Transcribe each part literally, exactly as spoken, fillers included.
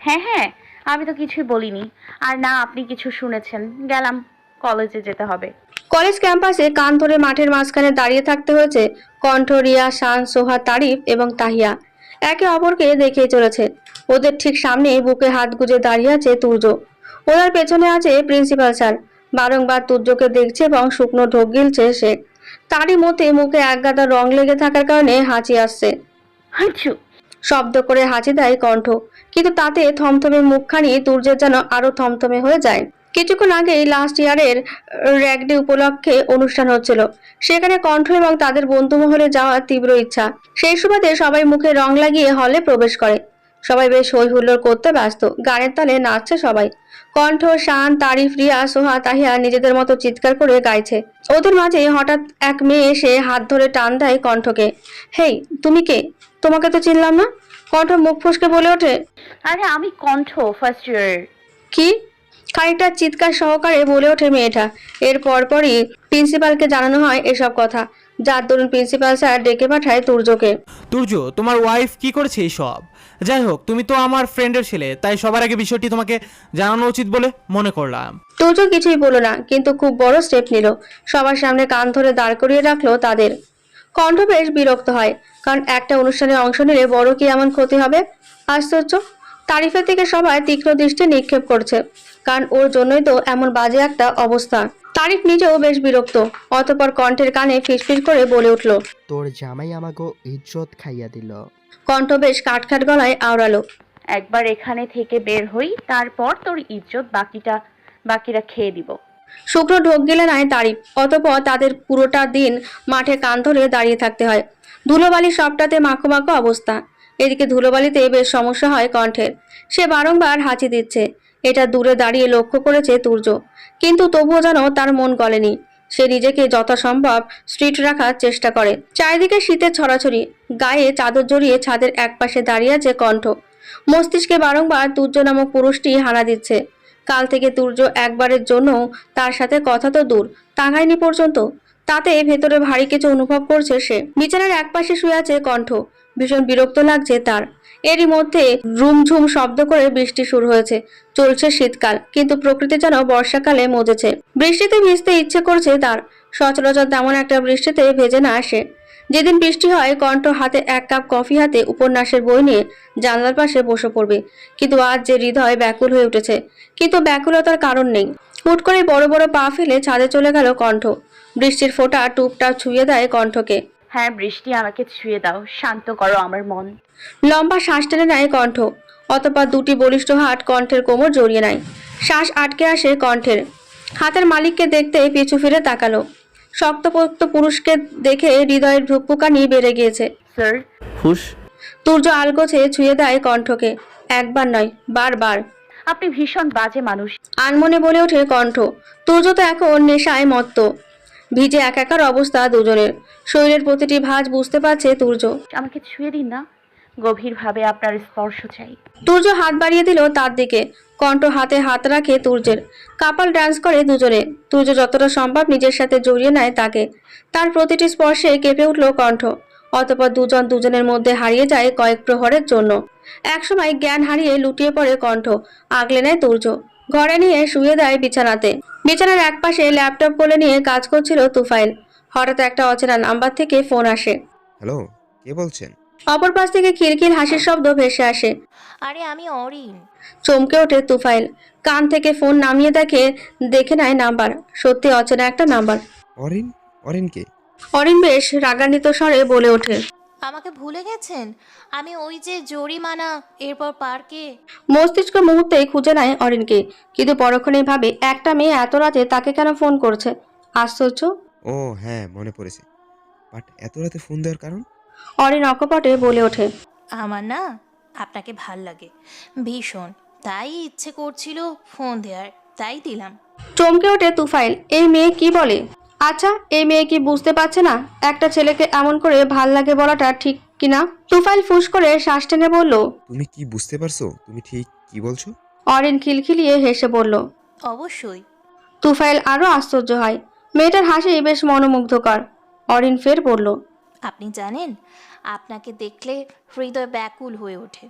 হ্যাঁ হ্যাঁ, আমি তো কিছুই বলিনি। আর না আপনি কিছু শুনেছেন। গেলাম, কলেজে যেতে হবে। কলেজ ক্যাম্পাসে কান ধরে মাঠের মাঝখানে দাঁড়িয়ে থাকতে হয়েছে কণ্ঠ, রিয়া, শান, সোহা, তারিফ এবং তাহিয়া। একে অপরকে দেখেই চলেছে। ওদের ঠিক সামনে বুকে হাত গুজে দাঁড়িয়ে আছে তুর্য। ওনার পেছনে আছে প্রিন্সিপাল স্যার। বারংবার তুর্যকে দেখছে এবং শুকনো ঢোক গিলছে সে। তারই মধ্যে মুখে একগাদা রং লেগে থাকার কারণে হাঁচি আসছে। হাঁচু। শব্দ করে হাঁচি দেয় কণ্ঠ, কিন্তু তাতে থমথমে মুখখানি তুর্যের যেন আরো থমথমে হয়ে যায়। কিছুক্ষণ আগেই লাস্ট ইয়ারের র্যাগ ডে উপলক্ষে অনুষ্ঠান হচ্ছিল। সেখানে কণ্ঠ এবং তাদের বন্ধু মহলে যাওয়ার তীব্র ইচ্ছা। সেই সুবাদে সবাই মুখে রং লাগিয়ে হলে প্রবেশ করে। সবাই বেশ হই হুল্লোড় করতে ব্যস্ত, গানের তালে নাচছে সবাই। কণ্ঠ, শান, তারিফ, রিয়া, সোহা, তাহিয়া নিজেদের মতো চিৎকার করে গাইছে। ওদের মাঝে হঠাৎ এক মেয়ে এসে হাত ধরে টান দেয় কণ্ঠকে। হেই, তুমি কে? তোমাকে তো চিনলাম না। কণ্ঠ মুখ ফসকে বলে ওঠে, আরে আমি কণ্ঠ, ফার্স্ট ইয়ার। কি? খানিকটা চিৎকার সহকারে বলে ওঠে মেয়েটা। এর পরপরই প্রিন্সিপালকে জানানো হয় এসব কথা, যার দরুন প্রিন্সিপাল স্যার ডেকে পাঠায় তুর্যকে। তুর্য, তোমার ওয়াইফ কি করেছে এইসব? যাই হোক, তুমি তো আমার ফ্রেন্ডের ছেলে, তাই সবার আগে বিষয়টি তোমাকে জানানো উচিত বলে মনে করলাম। তুর্য কিছুই বলল না, কিন্তু খুব বড় স্টেপ নিল। সবার সামনে কান ধরে দাঁড় করিয়ে রাখলো তাদের। কণ্ঠ বেশ বিরক্ত হয়, কারণ একটা অনুষ্ঠানে অংশ নিলে বড় কি এমন ক্ষতি হবে? আশ্চর্য। তারিফের থেকে সবাই তীক্ষ্ণ দৃষ্টি নিক্ষেপ করছে, কারণ ওর জন্যই তো এমন বাজে একটা অবস্থা। তারিফ নিজেও বেশ বিরক্ত। অতঃপর কণ্ঠের কানে ফিসফিস করে বলে উঠল। তোর জামাই আমাকে ইজ্জত খাইয়া দিল। কণ্ঠ বেশ কাটখাট গলায় আওড়ালো। একবার এখানে থেকে বের হই, তারপর তোর ইজ্জত বাকিটা বাকিরা খেয়ে দিব। শুকনো ঢোক গেলে নাই তারিফ। অতঃপর তাদের পুরোটা দিন মাঠে কান ধরে দাঁড়িয়ে থাকতে হয়। ধুলোবালি সবটাতে মাখো মাখো অবস্থা। এদিকে ধুলোবালিতে বেশ সমস্যা হয় কণ্ঠের। সে বারংবার হাঁচি দিচ্ছে। এটা দূরে দাঁড়িয়ে লক্ষ্য করেছে তুর্য, কিন্তু তবুও যেন তার মন গলেনি। সে নিজেকে যথাসম্ভব স্ট্রিট রাখার চেষ্টা করে। চারিদিকে শীতের ছড়াছড়ি। গায়ে চাদর জড়িয়ে ছাদের একপাশে দাঁড়িয়ে আছে কণ্ঠ। মস্তিষ্কে বারংবার তুর্য নামক পুরুষটি হানা দিচ্ছে। কাল থেকে তুর্য একবারের জন্য তার সাথে কথা তো দূর, তাকায়নি পর্যন্ত। তাতে ভেতরে ভারী কিছু অনুভব করছে সে। বিছানার একপাশে শুয়ে আছে কণ্ঠ। ভীষণ বিরক্ত লাগছে তার। এরই মধ্যে রুমঝুম শব্দ করে বৃষ্টি শুরু হয়েছে। চলছে শীতকাল, কিন্তু প্রকৃতি যেন বর্ষাকালে মজেছে। বৃষ্টিতে ভিজতে ইচ্ছে করছে তার। সচরাচর তেমন একটা বৃষ্টিতে ভেজে না আসে। যেদিন বৃষ্টি হয়, কণ্ঠ হাতে এক কাপ কফি হাতে উপন্যাসের বই নিয়ে জানলার পাশে বসে পড়বে। কিন্তু আজ যে হৃদয় ব্যাকুল হয়ে উঠেছে, কিন্তু ব্যাকুলতার কারণ নেই। হুট করে বড় বড় পা ফেলে ছাদে চলে গেল কণ্ঠ। বৃষ্টির ফোঁটা টুপটাপ ছুঁয়ে দেয় কণ্ঠকে। হ্যাঁ বৃষ্টি, আমাকে ছুঁয়ে দাও, শান্ত করো আমার মন। লম্বা শ্বাস টেনে নেয় কণ্ঠ। অতঃপর দুটি বলিষ্ঠ হাত কণ্ঠের কোমর জড়িয়ে নেয়। শ্বাস আটকে আসে কণ্ঠের। হাতের মালিককে দেখতে পিছু ফিরে তাকালো। শক্তপোক্ত পুরুষকে দেখে হৃদয়ের ধুকপুকানি বেড়ে গিয়েছে। স্যার। হুশ। তুর্য আলগোছে ছুঁয়ে দেয় কণ্ঠকে। একবার নয়, বারবার। আপনি ভীষণ বাজে মানুষ। আনমনে বলে ওঠে কণ্ঠ। তুর্য তো এখন নেশায় মত্ত। ভিজে একাকার অবস্থা দুজনের। শরীরের প্রতিটি ভাঁজ বুঝতে পারছে তুর্য। আমাকে ছুঁয়ে দিন না, গভীরভাবে আপনার স্পর্শ চাই। তুর্য হাত বাড়িয়ে দিল তার দিকে। কণ্ঠ হাতে হাত রাখে তুর্যের। কাপাল ডান্স করে দুজনে। তুর্য যতটা সম্ভব নিজের সাথে জড়িয়ে নেয় তাকে। তার প্রতিটি স্পর্শে কেঁপে উঠল কণ্ঠ। অতঃপর দুজন দুজনের মধ্যে হারিয়ে যায় কয়েক প্রহরের জন্য। একসময় জ্ঞান হারিয়ে লুটিয়ে পড়ে কণ্ঠ। আগলে নেয় তুর্য। ঘরে নিয়ে শুয়ে দেয় বিছানাতে। বিছানার একপাশে ল্যাপটপ কোলে নিয়ে কাজ করছিল তুফাইল। হঠাৎ একটা অচেনা নাম্বার থেকে ফোন আসে। হ্যালো, কে বলছেন? অপর পাশ থেকে খিলখিল হাসির শব্দ ভেসে আসে। আরে আমি অরিন। চমকে ওঠে তুফাইল। কান থেকে ফোন নামিয়ে দেখে দেখে নেয় নাম্বার। সত্যি অচেনা একটা নাম্বার। অরিন? অরিন কে? অরিন বেশ রাগান্বিত স্বরে বলে ওঠে। আমাকে ভুলে গেছেন? আমি ওই যে জরিমানা এরপর পার্কে। মস্তিষ্ক মুহূর্তেই খুঁজে নেয় অরিনকে, কিন্তু পরক্ষণেই ভাবে একটা মেয়ে এত রাতে তাকে কেন ফোন করছে। আশ্চর্য। ও হ্যাঁ, মনে পড়েছে। বাট এত রাতে ফোন দেওয়ার কারণ? অরিন অকপটে বলে ওঠে। আমার না আপনাকে ভাল লাগে ভীষণ, তাই ইচ্ছে করছিল ফোন দেওয়ার, তাই দিলাম। চমকে ওঠে তুফাইল। এই মেয়ে কি বলে? আচ্ছা, এই মেয়ে কি বুঝতে পারছে না একটা ছেলেকে এমন করে ভাল লাগে বলাটা ঠিক কিনা? তুফাইল ফুস করে শ্বাস টেনে বলল। তুমি কি বুঝতে পারছো তুমি ঠিক কি বলছো? অরিন খিলখিলিয়ে হেসে বলল। অবশ্যই। তুফাইল আরো আশ্চর্য হয়। মেয়েটার হাসি বেশ মনোমুগ্ধকর। অরিন ফের বলল। আপনি জানেন, আপনাকে দেখলে হৃদয় ব্যাকুল হয়ে ওঠে।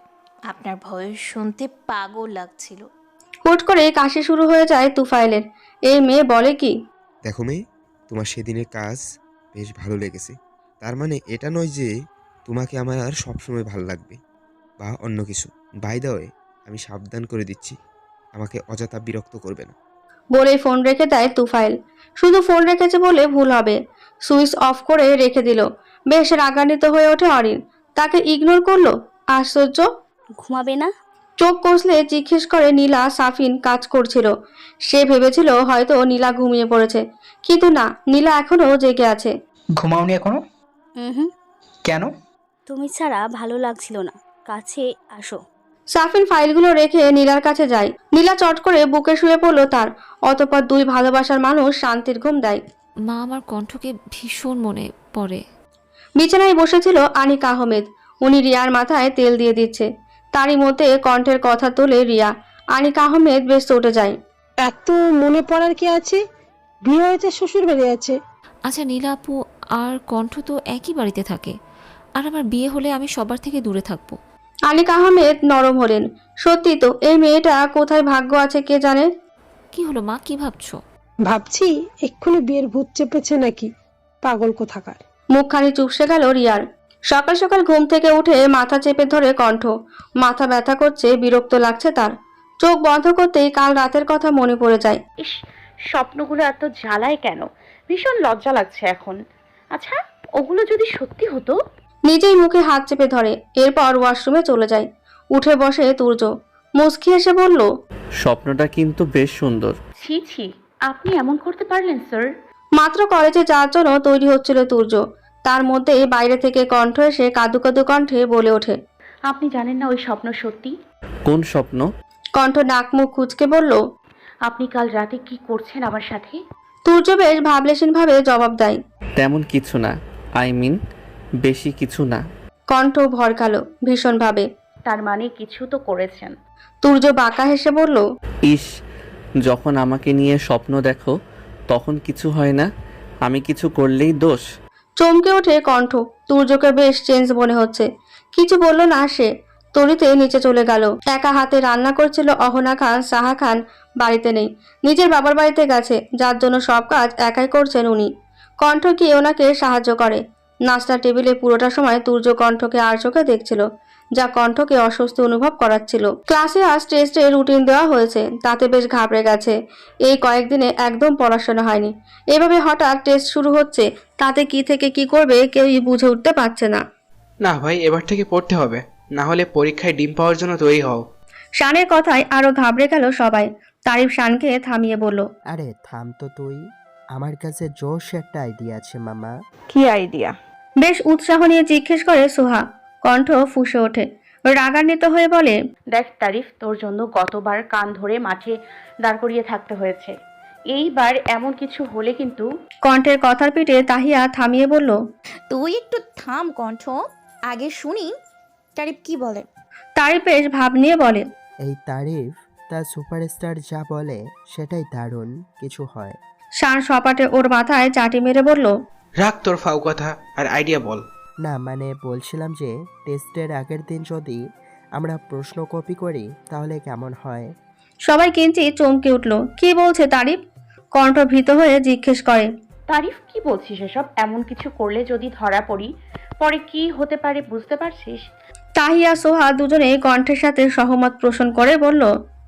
আপনার ভয়েস শুনতে পাগল লাগছিল। হুট করে কাশি শুরু হয়ে যায় তুফাইলের। এই মেয়ে বলে কি? দেখো মেয়ে, তোমার সেদিনের কাজ বেশ ভালো লেগেছে। তার মানে এটা নয় যে তোমাকে আমার আর সবসময় ভালো লাগবে বা অন্য কিছু। বাই দ্য ওয়ে, আমি সাবধান করে দিচ্ছি, আমাকে অযথা বিরক্ত করবে না। বলেই ফোন রেখে দেয় তুফাইল। শুধু ফোন রেখেছে বলে ভুল হবে, সুইচ অফ করে রেখে দিল। বেশ রাগান্বিত হয়ে ওঠে অরিন। তাকে ইগনোর করলো। আশ্চর্য। ঘুমাবে না? চোখ কষলে জিজ্ঞেস করে নীলা। সাফিন কাজ করছিল। সে ভেবেছিল হয়তো নীলা ঘুমিয়ে পড়েছে, কিন্তু না, নীলা এখনো জেগে আছে। ঘুমাওনি এখনো? হুম, কেন? তুমি ছাড়া ভালো লাগছিল না, কাছে আসো। সাফিন ফাইলগুলো রেখে নীলার কাছে যায়। নীলা চট করে বুকে শুয়ে পড়লো তার। অতঃপর দুই ভালোবাসার মানুষ শান্তির ঘুম দেয়। মা, আমার কণ্ঠকে ভীষণ মনে পড়ে। বিছানায় বসেছিল আনিক আহমেদ। উনি রিয়ার মাথায় তেল দিয়ে দিচ্ছে। তারই মধ্যে কণ্ঠের কথা তোলে রিয়া। আনিক আহমেদ বেশ চটে যায়। এত মনে পড়ার কি আছে? বিয়ে হয়েছে, শ্বশুর বাড়ি আছে। আচ্ছা নীলা আপু আর কণ্ঠ তো একই বাড়িতে থাকে, আর আমার বিয়ে হলে আমি সবার থেকে দূরে থাকবো। আনিক আহমেদ নরম হলেন। সত্যি তো, এই মেয়েটা কোথায় ভাগ্য আছে কে জানে। কি হলো মা, কি ভাবছো? ভাবছি এক্ষুনি বিয়ের ভূত চেপেছে নাকি, পাগল কোথাকার। মুখখানি চুপসে গেল রিয়ার। সকাল সকাল ঘুম থেকে উঠে মাথা চেপে ধরে কণ্ঠ। মাথা ব্যথা করছে, বিরক্ত লাগছে তার। চোখ বন্ধ করতেই কাল রাতের কথা মনে পড়ে যায়। ইস, স্বপ্নগুলো এত জ্বালায় কেন? ভীষণ লজ্জা লাগছে এখন। আচ্ছা, ওগুলো যদি সত্যি হতো? নিজেই মুখে হাত চেপে ধরে। এরপর ওয়াশরুমে চলে যায়। উঠে বসে তুর্য। মুচকি এসে বলল, স্বপ্নটা কিন্তু বেশ সুন্দর। ছি ছি, আপনি এমন করতে পারলেন স্যার? মাত্র কলেজে যাওয়ার জন্য তৈরি হচ্ছিল তুর্য। তার মধ্যে বাইরে থেকে কণ্ঠ এসে কাদু কাদু কণ্ঠে বলে ওঠে, আপনি জানেন না ওই স্বপ্ন সত্যি? কোন স্বপ্ন? কণ্ঠ নাক মুখ কুঁচকে বলল, আপনি কাল রাতে কি করছেন আমার সাথে? তুর্য বেশ ভাবলেশীন ভাবে জবাব দেয়, তেমন কিছু না, আই মিন বেশি কিছু না। কণ্ঠ ভরকালো ভীষণ ভাবে। তার মানে কিছু তো করেছেন? তুর্য বাঁকা হেসে বলল, ইস, যখন আমাকে নিয়ে স্বপ্ন দেখো তখন কিছু হয় না, আমি কিছু করলেই দোষ। চমকে ওঠে কণ্ঠ। তুর্যকে বেশ চেঞ্জ মনে হচ্ছে। কিছু বলল না সে। তরিতে নিচে চলে গেল। একা হাতে রান্না করছিল অহনা খান। সাহা খান বাড়িতে নেই, নিজের বাবার বাড়িতে গেছে, যার জন্য সব কাজ একাই করছেন উনি। কণ্ঠ গিয়ে ওনাকে সাহায্য করে। নাস্তার টেবিলে পুরোটা সময় তুর্য কণ্ঠকে আর চোখে দেখছিল, যা কণ্ঠকে অস্বস্তি অনুভব করাচ্ছিল। ক্লাসে আজ টেস্টে রুটিন দেওয়া হয়েছে, তাতে বেশ ঘাবড়ে গেছে। এই কয়েকদিনে একদম পড়াশোনা হয়নি। এভাবে হঠাৎ টেস্ট শুরু হচ্ছে, তাতে কি থেকে কি করবে কেউই বুঝে উঠতে পারছে না। না ভাই, এবার থেকে পড়তে হবে, না হলে পরীক্ষায় ডিম পাওয়ার জন্য তৈরি হও। শানের কথায় আরো ঘাবড়ে গেল সবাই। তারিফ শানকে থামিয়ে বলল, আরে থাম তো তুই, আমার কাছে জোশ একটা আইডিয়া আছে মামা। কি আইডিয়া? বেশ উৎসাহ নিয়ে জিজ্ঞেস করে সোহা। কণ্ঠ ফুঁসে ওঠে, রাগান্বিত হয়ে বলে, দেখ তারিফ, তোর জন্য গতবার কান ধরে মাঠে দাঁড় করিয়ে থাকতে হয়েছে। এইবার এমন কিছু হলে কিন্তু। কণ্ঠের কথার পিঠে তাহিয়া থামিয়ে বলল, তুই একটু থাম কণ্ঠ, আগে শুনি তারিফ কি বলে। তারিফ বেশ ভাব নিয়ে বলে, এই তারিফ তার সুপারস্টার যা বলে সেটাই দারুণ কিছু হয়। শান সপাটে ওর মাথায় চাটি মেরে বলল, রাখ তোর ফাউ কথা, আর আইডিয়া বল। না মানে বলছিলাম যে টেস্টের আগের দিন যদি আমরা প্রশ্ন কপি করি তাহলে কেমন হয়? সবাই কিঞ্চিত চমকে উঠল। কি বলছে তারিফ? কণ্ঠ ভীত হয়ে জিজ্ঞেস করে, তারিফ কি বলছিস এসব? এমন কিছু করলে যদি ধরা পড়ি, পরে কি হতে পারে বুঝতে পারছিস? তাহিয়া সোহা দুজনে কণ্ঠের সাথে সহমত পোষণ করে বলল,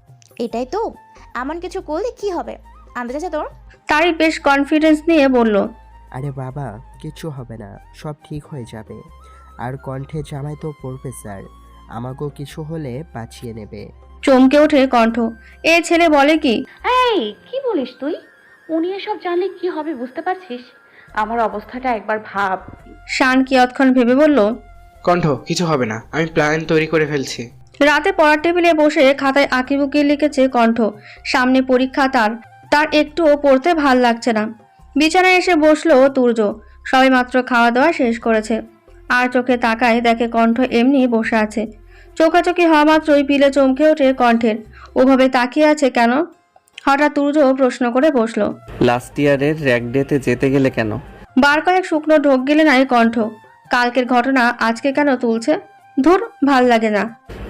এটাই তো, এমন কিছু করলে কি হবে, আন্দাজ আছে তোর? তারিফ বেশ কনফিডেন্স নিয়ে বলল, আরে বাবা কিছু হবে না, সব ঠিক হয়ে যাবে। আর কণ্ঠে জামাই তো প্রফেসর, আমাকেও কিছু হলে বাঁচিয়ে নেবে। চমকে ওঠে কণ্ঠ। এ ছেলে বলে কি? এই কি বলিস তুই? উনি এসব জানলে কি হবে বুঝতে পারছিস? আমার অবস্থাটা একবার ভাব। শান কিয়ৎক্ষণ ভেবে বলল, কণ্ঠ, কিছু হবে না, আমি প্ল্যান তৈরি করে ফেলছি। রাতে পড়ার টেবিলে বসে খাতায় আঁকিবুকি লিখেছে কণ্ঠ। সামনে পরীক্ষা তার। তার একটুও পড়তে ভাল লাগছে না। বিছানায় এসে বসলো তুর্য। সবাই মাত্র খাওয়া দাওয়া শেষ করেছে। আর চোখে তাকায় দেখে কণ্ঠ এমনি বসে আছে। চোখাচোখি হওয়া মাত্রই পিলে চমকে ওঠে কণ্ঠের। ওভাবে তাকিয়ে আছে কেন? হঠাৎ তুর্য প্রশ্ন করে বসলো, লাস্ট ইয়ারের র্যাক ডেতে যেতে গেলে কেন? বার কয়েক শুকনো ঢোক গেলে নাই কণ্ঠ। কালকের ঘটনা আজকে কেন তুলছে? ধুর, ভাল লাগে না।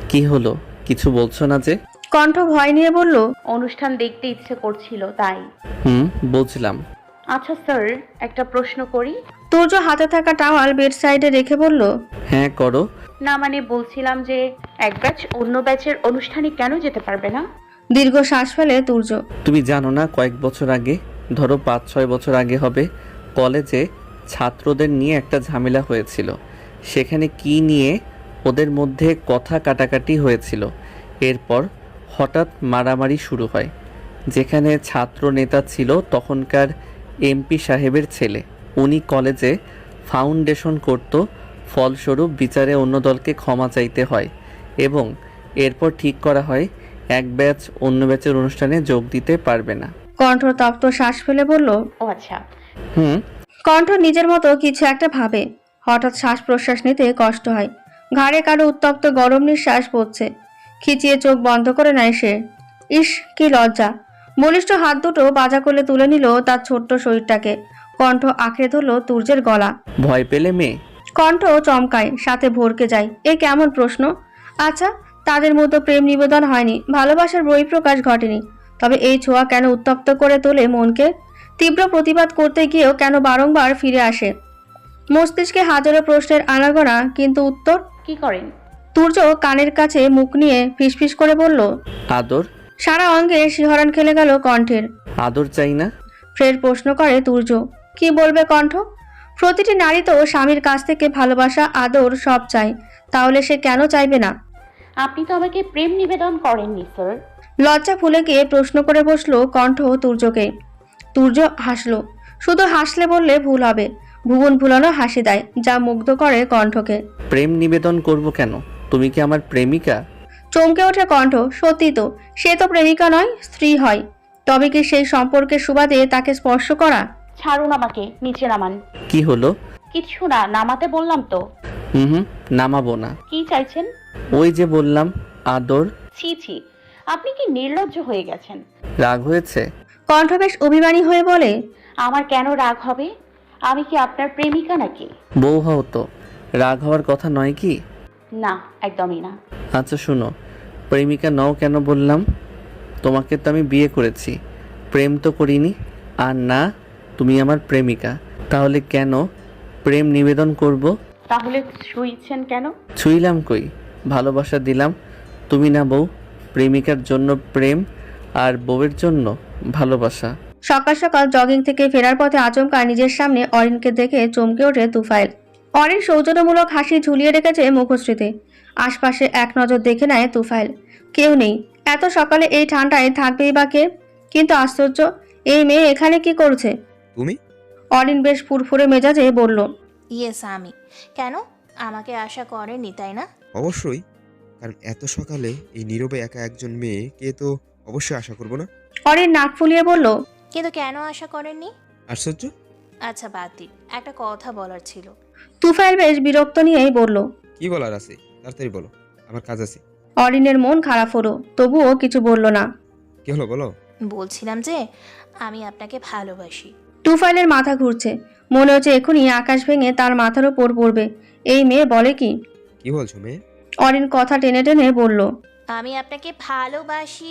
কি হলো, কিছু বলছো না যে? কণ্ঠ ভয় নিয়ে বলল, অনুষ্ঠান দেখতে ইচ্ছে করছিল তাই। হুম, বুঝলাম। আচ্ছা স্যার, একটা প্রশ্ন করি? তুর্য হাতে থাকা টাওয়াল বেড সাইডে রেখে বলল, হ্যাঁ করো। না মানে বলছিলাম যে এক ব্যাচ অন্য ব্যাচের অনুষ্ঠানে কেন যেতে পারবে না? দীর্ঘ শ্বাস ফেলে তুর্য। তুমি জানো না, কয়েক বছর আগে, ধরো পাঁচ ছয় বছর আগে হবে, কলেজে ছাত্রদের নিয়ে একটা ঝামেলা হয়েছিল। সেখানে কি নিয়ে ওদের মধ্যে কথা কাটাকাটি হয়েছিল। এরপর হঠাৎ মারামারি শুরু হয়। যেখানে ছাত্র নেতা ছিল তখনকার এমপি সাহেবের ছেলে, উনি কলেজে ফাউন্ডেশন করত। ফলস্বরূপ বিচারে অন্য দলকে ক্ষমা চাইতে হয় এবং এরপর ঠিক করা হয় এক ব্যাচ অন্য ব্যাচের অনুষ্ঠানে যোগ দিতে পারবে না। কণ্ঠ তপ্ত শ্বাস ফেলে বলল, ও আচ্ছা। হুম। কণ্ঠ নিজের মতো কিছু একটা ভাবে। হঠাৎ শ্বাস প্রশ্বাস নিতে কষ্ট হয়। ঘাড়ে কারো উত্তপ্ত গরম নিঃশ্বাস পড়ছে। খিচিয়ে চোখ বন্ধ করে নেয় সে। ইস, কি লজ্জা। বলিষ্ঠ হাত দুটো বাজা করলে তুলে নিল তার ছোট্ট শরীরটাকে। কণ্ঠ আঁকড়ে ধরল তুর্যের গলা। ভয় পেলে মেয়ে? কণ্ঠ চমকায়, সাথে ভরকে যায়। এ কেমন প্রশ্ন? আচ্ছা, তাদের মতো প্রেম নিবেদন হয়নি, ভালোবাসার বহিঃপ্রকাশ ঘটেনি, তবে এই ছোঁয়া কেন উত্তপ্ত করে তোলে মনকে? তীব্র প্রতিবাদ করতে গিয়েও কেন বারংবার ফিরে আসে মস্তিষ্কে হাজারো প্রশ্নের আনাগোনা, কিন্তু উত্তর কি করেন? তুর্য কানের কাছে মুখ নিয়ে ফিসফিস করে বলল, আদর। সারা অঙ্গে শিহরণ খেলে গেল কণ্ঠের। আদর চাই না? ফের প্রশ্ন করে তুর্য। কি বলবে কণ্ঠ? প্রতিটি নারী তো স্বামীর কাছ থেকে ভালোবাসা, আদর সব চায়, তাহলে সে কেন চাইবে না? আপনি তো আমাকে প্রেম নিবেদন করেননি স্যার। লজ্জা ফুলে গিয়ে প্রশ্ন করে বসলো কণ্ঠ তুর্যকে। তুর্য হাসলো। শুধু হাসলে বললে ভুল হবে, ভুবন ভুলানো হাসি দেয়, যা মুগ্ধ করে কণ্ঠকে। প্রেম নিবেদন করব কেন? তুমি কি আমার প্রেমিকা? চমকে ওঠে কণ্ঠ। সত্যি তো, সে তো প্রেমিকা নয়, স্ত্রী হয়। তবে কি সেই সম্পর্কের সুবাদে তাকে স্পর্শ করা? ছাড়ুন আমাকে, নিচে নামান। কি হলো? কিছু না, নামাতে বললাম তো। হুম হুম, নামাবো না। কি চাইছেন? ওই যে বললাম, আদর। ছি ছি, আপনি কি নির্লজ্জ হয়ে গেছেন? রাগ হয়েছে? কণ্ঠ বেশ অভিমানী হয়ে বলে, আমার কেন রাগ হবে? আমি কি আপনার প্রেমিকা নাকি? বউ হও তো, রাগ হওয়ার কথা নয় কি? না, একদমই না। আচ্ছা শুনো, প্রেমিকা নও কেন বললাম? তোমাকে তো আমি বিয়ে করেছি, প্রেম তো করিনি। আর না, তুমি আমার প্রেমিকা, তাহলে কেন প্রেম নিবেদন করব? তাহলে ছুঁইছেন কেন? ছুঁইলাম কই, ভালোবাসা দিলাম। তুমি না বউ, প্রেমিকার জন্য প্রেম আর বউয়ের জন্য ভালোবাসা। সকাল সকাল জগিং থেকে ফেরার পথে আচমকা নিজের সামনে অরিনকে দেখে চমকে ওঠে তুফাইল। অরিন সৌজন্যমূলক হাসি ঝুলিয়ে রেখেছে মুখশ্রীতে। আশপাশে এক নজর দেখে নেয় তুফাইল। কেউ নেই। এত সকালে এই ঠান্ডায় থাকবেই বা কে? কিন্তু আশ্চর্য, এই মেয়ে এখানে কি করছে? তুমি? অরিন বেশ ফুরফুরে মেজাজে বলল, ইয়েস আমি। কেন, আমাকে আশা করেননি তাই না? অবশ্যই, কারণ এত সকালে এই নীরবে একা একজন মেয়েকে তো অবশ্যই আশা করব না। অরিন নাক ফুলিয়ে বলল, কিন্তু কেন আশা করেননি? আশ্চর্য। আচ্ছা বাদ দিন, একটা কথা বলার ছিল। তুফাইল বেশ বিরক্ত নিয়েই বলল, কি বলার আছে তাড়াতাড়ি বলো, আমার কাজ আছে। অরিনের মন খারাপ হলো, তবুও কিছু বলল না। কি হলো বলো? বলছিলাম যে আমি আপনাকে ভালোবাসি। তুফাইলের মাথা ঘুরছে। মনে হচ্ছে এখনই আকাশ ভেঙে তার মাথার উপর পড়বে। এই মেয়ে বলে কি? কি বলছো মেয়ে? অরিন কথা টেনে টেনে বলল, আমি আপনাকে ভালোবাসি,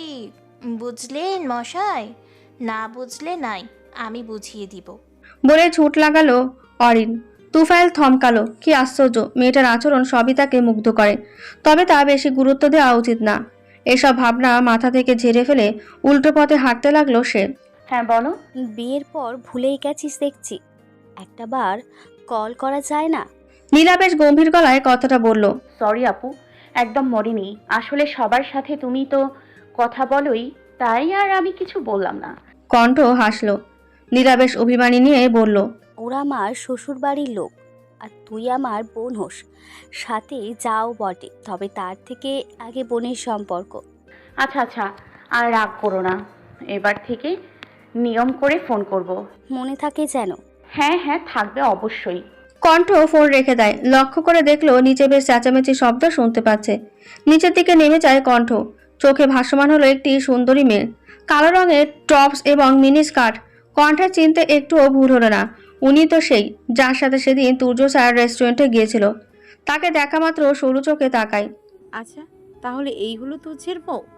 বুঝলেন মশাই? না বুঝলে নাই, আমি বুঝিয়ে দিব। বলে ছুট লাগালো অরিন। তুফাইল থমকালো। কি আশ্চর্য, মেয়েটার আচরণ সবই তাকে মুগ্ধ করে, তবে তা বেশি গুরুত্ব দেওয়া উচিত না। এসব ভাবনা মাথা থেকে ঝেড়ে ফেলে উল্টো পথে হাঁটতে লাগলো সে। হ্যাঁ বলো। বিয়ের পর ভুলেই গেছিস দেখছি, একটা বার কল করা যায় না? নীলা বেশ গম্ভীর গলায় কথাটা বলল। সরি আপু, একদম মরিনি। আসলে সবার সাথে তুমি তো কথা বলোই, তাই আর আমি কিছু বললাম না। কণ্ঠ হাসলো। নীলা বেশ অভিমানী নিয়ে বলল, ওরা আমার শ্বশুর বাড়ির লোক, আর তুই আমার বোন হোস, সাথে যাও বটে, তবে তার থেকে আগে বোনের সম্পর্ক। আচ্ছা আচ্ছা, আর রাগ করো না, এবার থেকে নিয়ম করে ফোন করব। মনে থাকে যেন। হ্যাঁ হ্যাঁ, থাকবে অবশ্যই। কণ্ঠ ফোন রেখে দেয়। লক্ষ্য করে দেখলো নিচে বেশ চেঁচামেচি শব্দ শুনতে পাচ্ছে। নিচের দিকে নেমে যায় কণ্ঠ। চোখে ভাসমান হলো একটি সুন্দরী মেয়ে, কালো রঙের টপস এবং মিনি স্কার্ট। কণ্ঠের চিনতে একটুও ভুল হলো না, উনি তো সেই যার সাথে সেদিন তুর্য স্যার রেস্টুরেন্টে গিয়েছিল। তাকে দেখা মাত্র সরু চোখে তাকায়। আচ্ছা তাহলে এই হলো তুচ্ছের বউ?